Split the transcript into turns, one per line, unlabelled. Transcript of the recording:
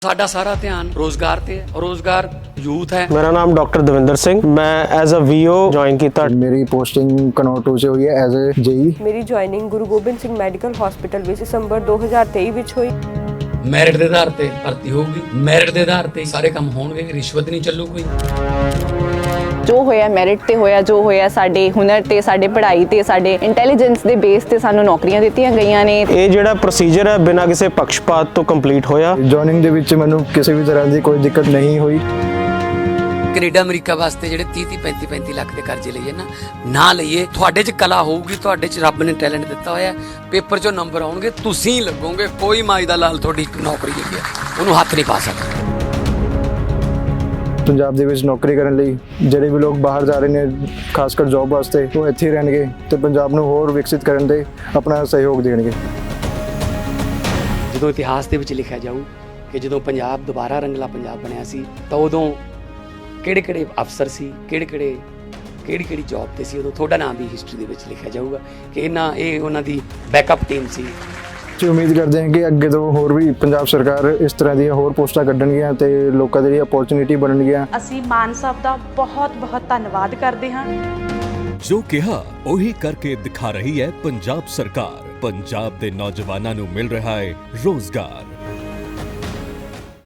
ਸਾਡਾ ਸਾਰਾ ਧਿਆਨ ਰੋਜ਼ਗਾਰ ਤੇ ਹੈ। ਰੋਜ਼ਗਾਰ ਯੂਥ ਹੈ।
मेरा नाम डॉक्टर दविंदर सिंह, मैं एज अ वीओ ज्वाइन किया।
मेरी पोस्टिंग कनौर 2 से हुई है एज ए जेई।
ਮੇਰੀ joining Guru Gobind Singh medical hospital ਵਿੱਚ ਦਸੰਬਰ 2023 ਵਿੱਚ ਹੋਈ।
ਮੈਰਿਟ ਦੇ ਆਧਾਰ ਤੇ ਭਰਤੀ ਹੋਊਗੀ, ਮੈਰਿਟ ਦੇ ਆਧਾਰ ਤੇ ਸਾਰੇ ਕੰਮ ਹੋਣਗੇ, ਰਿਸ਼ਵਤ ਨਹੀਂ ਚੱਲੂ ਕੋਈ।
ਜੋ ਹੋਇਆ ਮੈਰਿਟ ਤੇ ਹੋਇਆ, ਜੋ ਹੋਇਆ ਸਾਡੇ ਹੁਨਰ ਤੇ, ਸਾਡੇ ਪੜ੍ਹਾਈ ਤੇ, ਸਾਡੇ ਇੰਟੈਲੀਜੈਂਸ ਦੇ ਬੇਸ ਤੇ ਸਾਨੂੰ ਨੌਕਰੀਆਂ ਦਿੱਤੀਆਂ ਗਈਆਂ ਨੇ।
ਇਹ ਜਿਹੜਾ ਪ੍ਰੋਸੀਜਰ ਹੈ ਬਿਨਾਂ ਕਿਸੇ ਪੱਖਪਾਤ ਤੋਂ ਕੰਪਲੀਟ ਹੋਇਆ।
ਜੁਆਇਨਿੰਗ ਦੇ ਵਿੱਚ ਮੈਨੂੰ ਕਿਸੇ ਵੀ ਤਰ੍ਹਾਂ ਦੀ ਕੋਈ ਦਿੱਕਤ ਨਹੀਂ ਹੋਈ।
ਕੈਨੇਡਾ ਅਮਰੀਕਾ ਵਾਸਤੇ ਜਿਹੜੇ 30-35 ਲੱਖ ਦੇ ਕਰਜ਼ੇ ਲਈਏ ਨਾ ਲਈਏ। ਤੁਹਾਡੇ 'ਚ ਕਲਾ ਹੋਊਗੀ, ਤੁਹਾਡੇ 'ਚ ਰੱਬ ਨੇ ਟੈਲੈਂਟ ਦਿੱਤਾ ਹੋਇਆ, ਪੇਪਰ 'ਚੋਂ ਨੰਬਰ ਆਉਣਗੇ, ਤੁਸੀਂ ਲੱਗੋਗੇ। ਕੋਈ ਮਾਈ ਦਾ ਲਾਲ ਤੁਹਾਡੀ ਨੌਕਰੀ ਜਿਹੜੀ ਹੈ ਉਹਨੂੰ ਹੱਥ ਨਹੀਂ ਪਾ ਸਕਦਾ।
ਪੰਜਾਬ ਦੇ ਵਿੱਚ ਨੌਕਰੀ ਕਰਨ ਲਈ ਜਿਹੜੇ ਵੀ ਲੋਕ ਬਾਹਰ ਜਾ ਰਹੇ ਨੇ, ਖਾਸ ਕਰ ਜੌਬ ਵਾਸਤੇ, ਉਹ ਇੱਥੇ ਹੀ ਰਹਿਣਗੇ ਤੇ ਪੰਜਾਬ ਨੂੰ ਹੋਰ ਵਿਕਸਿਤ ਕਰਨ ਦੇ ਆਪਣਾ ਸਹਿਯੋਗ ਦੇਣਗੇ।
ਜਦੋਂ ਇਤਿਹਾਸ ਦੇ ਵਿੱਚ ਲਿਖਿਆ ਜਾਊ ਕਿ ਜਦੋਂ ਪੰਜਾਬ ਦੁਬਾਰਾ ਰੰਗਲਾ ਪੰਜਾਬ ਬਣਿਆ ਸੀ ਤਾਂ ਉਦੋਂ ਕਿਹੜੇ ਅਫਸਰ ਸੀ, ਕਿਹੜੀ ਜੌਬ ਤੇ ਸੀ, ਉਦੋਂ ਤੁਹਾਡਾ ਨਾਮ ਵੀ ਹਿਸਟਰੀ ਦੇ ਵਿੱਚ ਲਿਖਿਆ ਜਾਊਗਾ ਕਿ ਇਹ ਉਹਨਾਂ ਦੀ ਬੈਕਅਪ ਟੀਮ ਸੀ।
ਅਸੀਂ ਉਮੀਦ ਕਰਦੇ ਹਾਂ ਕਿ ਅੱਗੇ ਤੋਂ ਹੋਰ ਵੀ ਪੰਜਾਬ ਸਰਕਾਰ ਇਸ ਤਰ੍ਹਾਂ ਦੀਆਂ ਹੋਰ ਪੋਸਟਾਂ ਕੱਢਣਗੀਆਂ ਤੇ ਲੋਕਾਂ ਦੇ ਲਈ ਅਪੋਰਚੁਨਿਟੀ ਬਣਨਗੀਆਂ।
ਅਸੀਂ ਮਾਨ ਸਾਹਿਬ ਦਾ ਬਹੁਤ ਧੰਨਵਾਦ ਕਰਦੇ ਹਾਂ।
ਜੋ ਕਿਹਾ ਉਹੀ ਕਰਕੇ ਦਿਖਾ ਰਹੀ ਹੈ ਪੰਜਾਬ ਸਰਕਾਰ। ਪੰਜਾਬ ਦੇ ਨੌਜਵਾਨਾਂ ਨੂੰ ਮਿਲ ਰਿਹਾ ਹੈ ਰੋਜ਼ਗਾਰ।